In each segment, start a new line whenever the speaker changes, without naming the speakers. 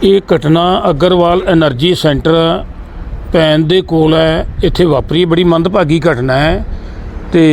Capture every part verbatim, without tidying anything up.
ਇਹ ਘਟਨਾ Agarwal energy centre ਭੈਣ ਦੇ ਕੋਲ ਹੈ। ਇੱਥੇ ਵਾਪਰੀ ਬੜੀ ਮੰਦਭਾਗੀ ਘਟਨਾ ਹੈ। ਤੇ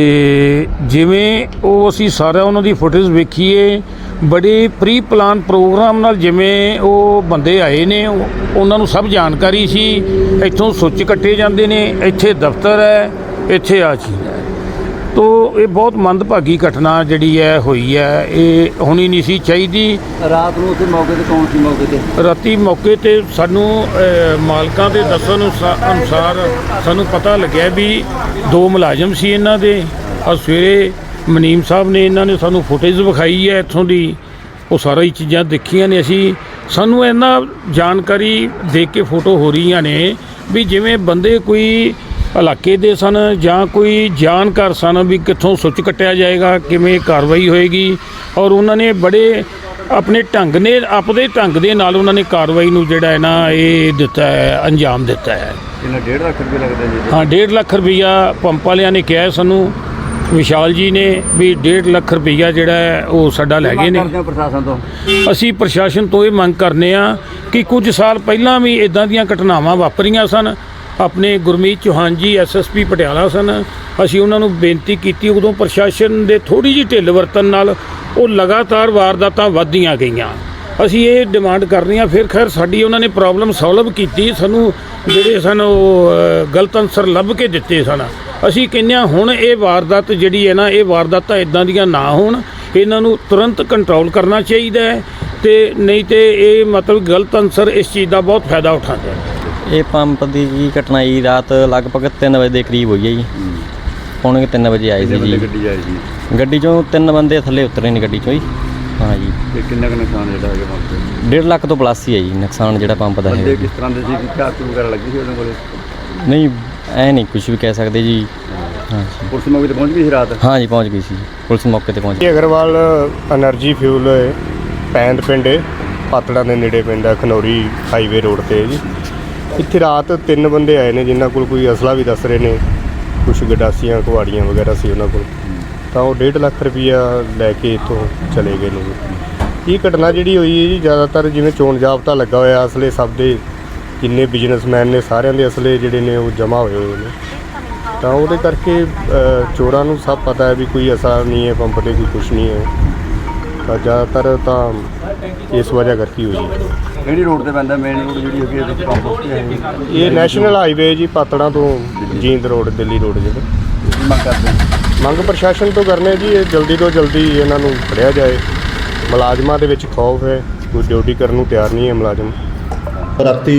ਜਿਵੇਂ ਉਹ ਅਸੀਂ ਸਾਰਾ ਉਹਨਾਂ ਦੀ ਫੁਟੇਜ ਵੇਖੀਏ, ਬੜੇ ਪ੍ਰੀ ਪਲਾਨ ਪ੍ਰੋਗਰਾਮ ਨਾਲ ਜਿਵੇਂ ਉਹ ਬੰਦੇ ਆਏ ਨੇ, ਉਹਨਾਂ ਨੂੰ ਸਭ ਜਾਣਕਾਰੀ ਸੀ ਇੱਥੋਂ ਸੁੱਚ ਕੱਟੇ ਜਾਂਦੇ ਨੇ, ਇੱਥੇ ਦਫ਼ਤਰ ਹੈ, ਇੱਥੇ ਆ ਚੀਜ਼ ਹੈ। ਤੋ ਇਹ ਬਹੁਤ ਮੰਦਭਾਗੀ ਘਟਨਾ ਜਿਹੜੀ ਹੈ ਹੋਈ ਹੈ, ਇਹ ਹੋਣੀ ਨਹੀਂ ਸੀ ਚਾਹੀਦੀ।
ਰਾਤ ਨੂੰ ਉੱਥੇ ਮੌਕੇ 'ਤੇ ਕੌਣ ਸੀ? ਮੌਕੇ 'ਤੇ
ਰਾਤੀ ਮੌਕੇ 'ਤੇ ਸਾਨੂੰ ਮਾਲਕਾਂ ਦੇ ਦੱਸਣ ਅਨੁਸਾਰ ਸਾਨੂੰ ਪਤਾ ਲੱਗਿਆ ਵੀ ਦੋ ਮੁਲਾਜ਼ਮ ਸੀ ਇਹਨਾਂ ਦੇ। ਔਰ ਸਵੇਰੇ ਮਨੀਮ ਸਾਹਿਬ ਨੇ ਇਹਨਾਂ ਨੇ ਸਾਨੂੰ ਫੁਟੇਜ ਵਿਖਾਈ ਹੈ ਇੱਥੋਂ ਦੀ, ਉਹ ਸਾਰਾ ਹੀ ਚੀਜ਼ਾਂ ਦੇਖੀਆਂ ਨੇ ਅਸੀਂ। ਸਾਨੂੰ ਇਹਨਾਂ ਜਾਣਕਾਰੀ ਦੇਖ ਕੇ ਫੋਟੋ ਹੋ ਰਹੀਆਂ ਨੇ ਵੀ ਜਿਵੇਂ ਬੰਦੇ ਕੋਈ ਇਲਾਕੇ ਦੇ ਸਨ ਜਾਂ ਕੋਈ ਜਾਣਕਾਰ ਸਨ ਵੀ ਕਿੱਥੋਂ ਸੁੱਚ ਕੱਟਿਆ ਜਾਏਗਾ, ਕਿਵੇਂ ਕਾਰਵਾਈ ਹੋਏਗੀ। ਔਰ ਉਹਨਾਂ ਨੇ ਬੜੇ ਆਪਣੇ ਢੰਗ ਨੇ ਆਪਦੇ ਢੰਗ ਦੇ ਨਾਲ ਉਹਨਾਂ ਨੇ ਕਾਰਵਾਈ ਨੂੰ ਜਿਹੜਾ ਹੈ ਨਾ ਇਹ ਦਿੱਤਾ ਹੈ, ਅੰਜਾਮ ਦਿੱਤਾ ਹੈ।
ਇਹਨਾਂ ਡੇਢ ਲੱਖ ਰੁਪਏ ਲੱਗਦਾ ਜੀ?
ਹਾਂ, ਡੇਢ ਲੱਖ ਰੁਪਈਆ ਪੰਪ ਵਾਲਿਆਂ ਨੇ ਕਿਹਾ ਸਾਨੂੰ, ਵਿਸ਼ਾਲ ਜੀ ਨੇ ਵੀ ਡੇਢ ਲੱਖ ਰੁਪਈਆ ਜਿਹੜਾ ਹੈ ਉਹ ਸਾਡਾ ਲੈ ਗਏ ਨੇ।
ਪ੍ਰਸ਼ਾਸਨ ਤੋਂ
ਅਸੀਂ ਪ੍ਰਸ਼ਾਸਨ ਤੋਂ ਇਹ ਮੰਗ ਕਰਨੇ ਆ ਕਿ ਕੁਝ ਸਾਲ ਪਹਿਲਾਂ ਵੀ ਇੱਦਾਂ ਦੀਆਂ ਘਟਨਾਵਾਂ ਵਾਪਰੀਆਂ ਸਨ। ਆਪਣੇ Gurmeet Chauhan ji S S P Patiala ਸਨ, ਅਸੀਂ ਉਹਨਾਂ ਨੂੰ ਬੇਨਤੀ ਕੀਤੀ, ਉਦੋਂ ਪ੍ਰਸ਼ਾਸਨ ਦੇ ਥੋੜ੍ਹੀ ਜਿਹੀ ਢਿੱਲ ਵਰਤਣ ਨਾਲ ਉਹ ਲਗਾਤਾਰ ਵਾਰਦਾਤਾਂ ਵੱਧਦੀਆਂ ਗਈਆਂ। ਅਸੀਂ ਇਹ ਡਿਮਾਂਡ ਕਰਨੀ ਆ, ਫਿਰ ਖੈਰ ਸਾਡੀ ਉਹਨਾਂ ਨੇ ਪ੍ਰੋਬਲਮ ਸੋਲਵ ਕੀਤੀ, ਸਾਨੂੰ ਜਿਹੜੇ ਸਨ ਉਹ ਗਲਤ ਅਨਸਰ ਲੱਭ ਕੇ ਦਿੱਤੇ ਸਨ। ਅਸੀਂ ਕਹਿੰਦੇ ਹਾਂ ਹੁਣ ਇਹ ਵਾਰਦਾਤ ਜਿਹੜੀ ਹੈ ਨਾ, ਇਹ ਵਾਰਦਾਤਾਂ ਇੱਦਾਂ ਦੀਆਂ ਨਾ ਹੋਣ, ਇਹਨਾਂ ਨੂੰ ਤੁਰੰਤ ਕੰਟਰੋਲ ਕਰਨਾ ਚਾਹੀਦਾ ਹੈ। ਤੇ ਨਹੀਂ ਤੇ ਇਹ ਮਤਲਬ ਗਲਤ ਅਨਸਰ ਇਸ ਚੀਜ਼ ਦਾ ਬਹੁਤ ਫਾਇਦਾ ਉਠਾਉਂਦੇ ਹਨ।
ਇਹ ਪੰਪ ਦੀ ਜੀ ਘਟਨਾ ਜੀ ਰਾਤ ਲਗਭਗ ਤਿੰਨ ਵਜੇ ਦੇ ਕਰੀਬ ਹੋਈ ਹੈ ਜੀ। ਪੌਣੇ ਤਿੰਨ ਵਜੇ ਆਏ ਸੀ ਜੀ
ਗੱਡੀ ਆਈ ਜੀ।
ਗੱਡੀ 'ਚੋਂ ਤਿੰਨ ਬੰਦੇ ਥੱਲੇ ਉਤਰੇ ਨੇ ਗੱਡੀ 'ਚੋਂ ਜੀ। ਹਾਂ ਜੀ।
ਤੇ ਕਿੰਨਾ ਕੁ ਨੁਕਸਾਨ ਜਿਹੜਾ ਹੈਗਾ ਪੰਪ ਤੇ?
ਡੇਢ ਲੱਖ ਤੋਂ ਪਲੱਸ ਹੀ ਹੈ ਜੀ ਨੁਕਸਾਨ ਜਿਹੜਾ ਪੰਪ ਦਾ
ਬੰਦੇ
ਹੈ।
ਕਿਸ ਤਰ੍ਹਾਂ ਦੇ ਸੀ? ਝਾਕ ਵਗੈਰਾ ਲੱਗੀ ਸੀ ਉਹਨਾਂ ਕੋਲੇ?
ਨਹੀਂ, ਐ ਨਹੀਂ ਕੁਝ ਵੀ ਕਹਿ ਸਕਦੇ ਜੀ। ਹਾਂ ਜੀ।
ਪੁਲਿਸ ਮੌਕੇ 'ਤੇ ਪਹੁੰਚ ਗਈ ਸੀ ਰਾਤ?
ਹਾਂ ਜੀ, ਪਹੁੰਚ ਗਈ ਸੀ ਪੁਲਿਸ ਮੌਕੇ 'ਤੇ ਪਹੁੰਚ ਗਈ।
ਅਗਰਵਾਲ ਐਨਰਜੀ ਫਿਊਲ ਪੈਂਦ ਪਿੰਡ ਪਾਤੜਾਂ ਦੇ ਨੇੜੇ ਪਿੰਡ ਹੈ, ਖਨੌਰੀ ਹਾਈਵੇ ਰੋਡ 'ਤੇ ਜੀ। ਇੱਥੇ ਰਾਤ ਤਿੰਨ ਬੰਦੇ ਆਏ ਨੇ ਜਿਨ੍ਹਾਂ ਕੋਲ ਕੋਈ ਅਸਲਾ ਵੀ ਦੱਸ ਰਹੇ ਨੇ, ਕੁਛ ਗਡਾਸੀਆਂ ਕੁਹਾੜੀਆਂ ਵਗੈਰਾ ਸੀ ਉਹਨਾਂ ਕੋਲ। ਤਾਂ ਉਹ ਡੇਢ ਲੱਖ ਰੁਪਈਆ ਲੈ ਕੇ ਇੱਥੋਂ ਚਲੇ ਗਏ ਨੇ। ਇਹ ਘਟਨਾ ਜਿਹੜੀ ਹੋਈ ਹੈ ਜੀ, ਜ਼ਿਆਦਾਤਰ ਜਿਵੇਂ ਚੋਣ ਜਾਬਤਾ ਲੱਗਾ ਹੋਇਆ, ਅਸਲੇ ਸਭ ਦੇ ਜਿੰਨੇ ਬਿਜ਼ਨਸਮੈਨ ਨੇ ਸਾਰਿਆਂ ਦੇ ਅਸਲੇ ਜਿਹੜੇ ਨੇ ਉਹ ਜਮ੍ਹਾਂ ਹੋਏ ਹੋਏ ਨੇ। ਤਾਂ ਉਹਦੇ ਕਰਕੇ ਚੋਰਾਂ ਨੂੰ ਸਭ ਪਤਾ ਹੈ ਵੀ ਕੋਈ ਅਸਰ ਨਹੀਂ ਹੈ ਪੰਪ 'ਤੇ, ਕੋਈ ਕੁਛ ਨਹੀਂ ਹੈ। ਤਾਂ ਜ਼ਿਆਦਾਤਰ ਤਾਂ ਇਸ ਵਜ੍ਹਾ ਕਰਕੇ ਹੋਈ ਹੈ।
ਕਿਹੜੀ ਰੋਡ ਤੇ ਪੈਂਦਾ? ਮੇਨ ਰੋਡ ਜਿਹੜੀ ਹੈਗੀ ਇਹਦੇ ਪੰਪ ਉੱਤੇ ਹੈ?
ਇਹ ਨੈਸ਼ਨਲ ਹਾਈਵੇ ਜੀ, ਪਾਤੜਾਂ ਤੋਂ ਜੀਂਦ ਰੋਡ, ਦਿੱਲੀ ਰੋਡ ਜਿਹੜੇ।
ਕੀ ਮੰਗ ਕਰਦੇ?
ਮੰਗ ਪ੍ਰਸ਼ਾਸਨ ਤੋਂ ਕਰਨੇ ਜੀ, ਇਹ ਜਲਦੀ ਤੋਂ ਜਲਦੀ ਇਹਨਾਂ ਨੂੰ ਫੜਿਆ ਜਾਏ। ਮੁਲਾਜ਼ਮਾਂ ਦੇ ਵਿੱਚ ਖੌਫ ਹੈ, ਕੋਈ ਡਿਊਟੀ ਕਰਨ ਨੂੰ ਤਿਆਰ ਨਹੀਂ ਹੈ ਮੁਲਾਜ਼ਮ।
ਰਾਤੀ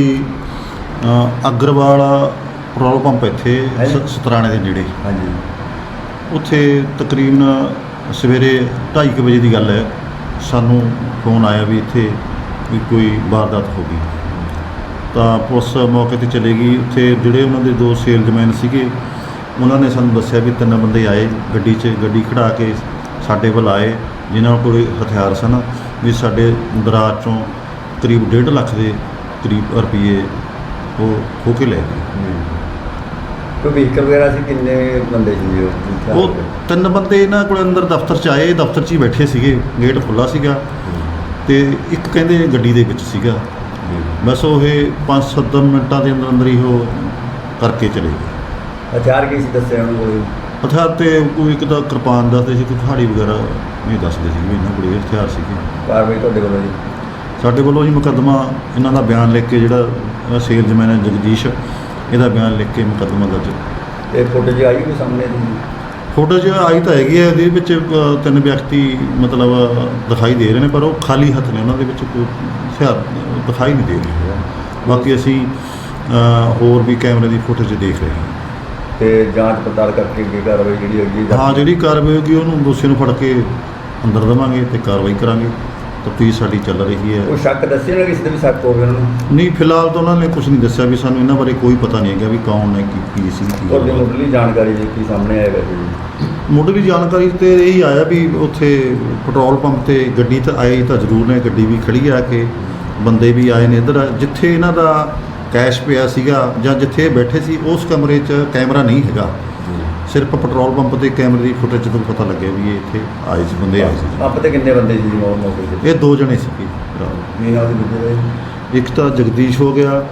ਅਗਰਵਾਲ ਪੈਟਰੋਲ ਪੰਪ ਇੱਥੇ ਸਤਰਾਣੇ ਦੇ ਨੇੜੇ,
ਹਾਂਜੀ,
ਉੱਥੇ ਤਕਰੀਬਨ ਸਵੇਰੇ ਢਾਈ ਕੁ ਵਜੇ ਦੀ ਗੱਲ ਹੈ, ਸਾਨੂੰ ਫੋਨ ਆਇਆ ਵੀ ਇੱਥੇ ਵੀ ਕੋਈ ਵਾਰਦਾਤ ਹੋ ਗਈ। ਤਾਂ ਪੁਲਿਸ ਮੌਕੇ 'ਤੇ ਚਲੇ ਗਈ। ਉੱਥੇ ਜਿਹੜੇ ਉਹਨਾਂ ਦੇ ਦੋ ਸੇਲਜ਼ਮੈਨ ਸੀਗੇ, ਉਹਨਾਂ ਨੇ ਸਾਨੂੰ ਦੱਸਿਆ ਵੀ ਤਿੰਨ ਬੰਦੇ ਆਏ ਗੱਡੀ 'ਚ, ਗੱਡੀ ਖੜ੍ਹਾ ਕੇ ਸਾਡੇ ਵੱਲ ਆਏ, ਜਿਨ੍ਹਾਂ ਕੋਲ ਹਥਿਆਰ ਸਨ, ਵੀ ਸਾਡੇ ਦਰਾਜ 'ਚੋਂ ਕਰੀਬ ਡੇਢ ਲੱਖ ਦੇ ਕਰੀਬ ਰੁਪਈਏ ਉਹ ਖੋਹ ਕੇ ਲੈ ਗਏ।
ਕੋਈ ਵਹੀਕਲ ਵਗੈਰਾ ਸੀ? ਕਿੰਨੇ ਬੰਦੇ ਸੀ ਉਹ?
ਉਹ ਤਿੰਨ ਬੰਦੇ ਇਹਨਾਂ ਕੋਲ ਅੰਦਰ ਦਫ਼ਤਰ 'ਚ ਆਏ, ਦਫ਼ਤਰ 'ਚ ਹੀ ਬੈਠੇ ਸੀਗੇ, ਗੇਟ ਖੁੱਲ੍ਹਾ ਸੀਗਾ ਤੇ ਇੱਕ ਕਹਿੰਦੇ ਗੱਡੀ ਦੇ ਵਿੱਚ ਸੀਗਾ। ਬਸ ਉਹ ਇਹ ਪੰਜ ਸੱਤ ਮਿੰਟਾਂ ਦੇ ਅੰਦਰ ਅੰਦਰ ਹੀ ਉਹ ਕਰਕੇ ਚਲੇ ਗਏ।
ਹਥਿਆਰ ਕੀ ਸੀ ਦੱਸਿਆ ਉਹਨਾਂ ਕੋਲ?
ਹਥਿਆਰ ਤੇ ਕੋਈ ਇੱਕ ਤਾਂ ਕਿਰਪਾਨ ਦੱਸਦੇ ਸੀ, ਕੋਈ ਕੁਹਾੜੀ ਵਗੈਰਾ ਨਹੀਂ ਦੱਸਦੇ ਸੀ ਵੀ ਇਹਨਾਂ ਕੋਲ ਇਹ ਹਥਿਆਰ ਸੀਗੇ।
ਕਾਰਵਾਈ ਤੁਹਾਡੇ ਵੱਲੋਂ ਜੀ?
ਸਾਡੇ ਵੱਲੋਂ ਜੀ ਮੁਕੱਦਮਾ ਇਹਨਾਂ ਦਾ ਬਿਆਨ ਲਿਖ ਕੇ, ਜਿਹੜਾ ਸੇਲਜ਼ਮੈਨ ਹੈ ਜਗਦੀਸ਼, ਇਹਦਾ ਬਿਆਨ ਲਿਖ ਕੇ ਮੁਕੱਦਮਾ ਦਰਜ।
ਇਹ ਫੋਟੋ ਜੀ ਆਈ ਕੋਈ ਸਾਹਮਣੇ?
ਫੋਟੋ 'ਚ ਆਈ ਤਾਂ ਹੈਗੀ ਹੈ, ਇਹਦੇ ਵਿੱਚ ਤਿੰਨ ਵਿਅਕਤੀ ਮਤਲਬ ਦਿਖਾਈ ਦੇ ਰਹੇ ਨੇ, ਪਰ ਉਹ ਖਾਲੀ ਹੱਥ ਨੇ, ਉਹਨਾਂ ਦੇ ਵਿੱਚ ਕੋਈ ਹਥਿਆਰ ਦਿਖਾਈ ਨਹੀਂ ਦੇ ਰਿਹਾ। ਬਾਕੀ ਅਸੀਂ ਹੋਰ ਵੀ ਕੈਮਰੇ ਦੀ ਫੁਟੇਜ ਦੇਖ ਰਹੇ ਹਾਂ
ਤੇ ਜਾਂਚ ਪੜਤਾਲ ਕਰਕੇ ਅੱਗੇ ਕਾਰਵਾਈ ਜਿਹੜੀ ਹੈਗੀ?
ਹਾਂ, ਜਿਹੜੀ ਕਾਰਵਾਈ ਹੋਗੀ ਉਹਨੂੰ ਦੋਸ਼ੀ ਨੂੰ ਫੜ ਕੇ ਅੰਦਰ ਦੇਵਾਂਗੇ ਤੇ ਕਾਰਵਾਈ ਕਰਾਂਗੇ। ਤਫਤੀਸ਼ ਸਾਡੀ ਚੱਲ ਰਹੀ ਹੈ।
ਉਹ ਸ਼ੱਕ ਦੱਸਿਆ ਨਾ ਕਿਸੇ ਦੇ ਵੀ ਸ਼ੱਕ ਹੋਵੇ ਉਹਨਾਂ ਨੂੰ?
ਨਹੀਂ, ਫਿਲਹਾਲ ਤਾਂ ਉਹਨਾਂ ਨੇ ਕੁਝ ਨਹੀਂ ਦੱਸਿਆ ਵੀ ਸਾਨੂੰ ਇਹਨਾਂ ਬਾਰੇ ਕੋਈ ਪਤਾ ਨਹੀਂ ਹੈਗਾ ਵੀ ਕੌਣ ਨੇ, ਕੀ ਕੀ ਸੀ।
ਤੁਹਾਡੀ ਮੁੱਢਲੀ ਜਾਣਕਾਰੀ ਜੀ ਕੀ ਸਾਹਮਣੇ ਆਇਆ ਵੈਸੇ?
ਮੁੱਢਲੀ ਜਾਣਕਾਰੀ ਤੇ ਇਹੀ ਆਇਆ ਵੀ ਉੱਥੇ ਪੈਟਰੋਲ ਪੰਪ ਤੇ ਗੱਡੀ ਤਾਂ ਆਈ ਤਾਂ ਜ਼ਰੂਰ ਨੇ, ਗੱਡੀ ਵੀ ਖੜੀ ਆ ਕੇ, ਬੰਦੇ ਵੀ ਆਏ ਨੇ ਇੱਧਰ। ਜਿੱਥੇ ਇਹਨਾਂ ਦਾ ਕੈਸ਼ ਪਿਆ ਸੀਗਾ ਜਾਂ ਜਿੱਥੇ ਇਹ ਬੈਠੇ ਸੀ, ਉਸ ਕਮਰੇ 'ਚ ਕੈਮਰਾ ਨਹੀਂ ਹੈਗਾ। ਸਿਰਫ ਪੈਟਰੋਲ ਪੰਪ ਤੇ ਕੈਮਰੇ ਦੀ ਫੁਟੇਜ ਤੋਂ ਪਤਾ ਲੱਗਿਆ ਵੀ ਇਹ ਇੱਥੇ ਆਏ ਸੀ, ਬੰਦੇ ਆਏ ਸੀ।
ਪੰਪ ਤੇ ਕਿੰਨੇ ਬੰਦੇ ਸੀ ਮੌਕੇ ਤੇ?
ਇਹ ਦੋ ਜਣੇ ਸੀਗੇ।
ਨਹੀਂ ਨਾਲ ਦੇ ਦੂਜੇ
ਇੱਕ ਤਾਂ ਜਗਦੀਸ਼ ਹੋ ਗਿਆ,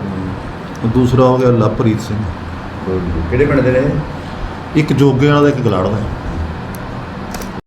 ਦੂਸਰਾ ਹੋ ਗਿਆ ਲਵਪ੍ਰੀਤ ਸਿੰਘ।
ਕਿਹੜੇ ਪਿੰਡ ਦੇ ਨੇ?
ਇੱਕ ਜੋਗੇ ਵਾਲਾ ਦਾ, ਇੱਕ ਗਲਾੜ ਦਾ।